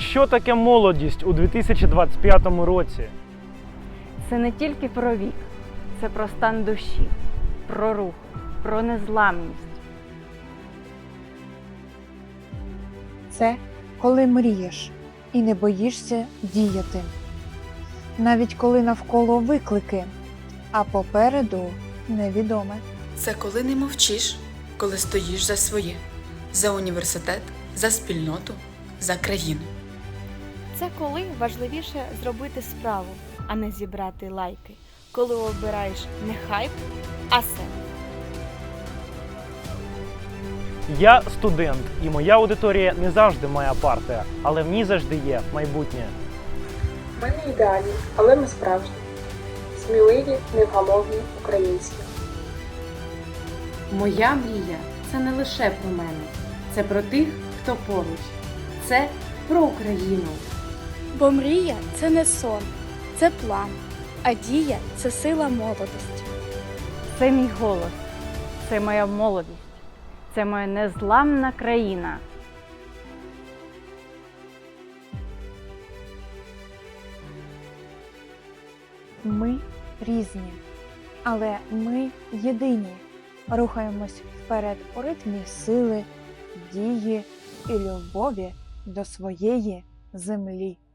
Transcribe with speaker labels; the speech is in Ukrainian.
Speaker 1: Що таке молодість у 2025 році?
Speaker 2: Це не тільки про вік, це про стан душі, про рух, про незламність.
Speaker 3: Це коли мрієш і не боїшся діяти. Навіть коли навколо виклики, а попереду невідоме.
Speaker 4: Це коли не мовчиш, коли стоїш за своє, за університет, за спільноту, за країну.
Speaker 5: Це коли важливіше зробити справу, а не зібрати лайки. Коли обираєш не хайп, а себе.
Speaker 1: Я студент, і моя аудиторія не завжди моя партія, але в ній завжди є майбутнє.
Speaker 6: Ми не ідеальні, але ми справжні. Сміливі, невгамовні, українські.
Speaker 7: Моя мрія – це не лише про мене, це про тих, хто поруч. Це про Україну.
Speaker 8: Бо мрія – це не сон, це план, а дія – це сила молодості.
Speaker 2: Це мій голос, це моя молодість, це моя незламна країна.
Speaker 3: Ми різні, але ми єдині. Рухаємось вперед у ритмі сили, дії і любові до своєї землі.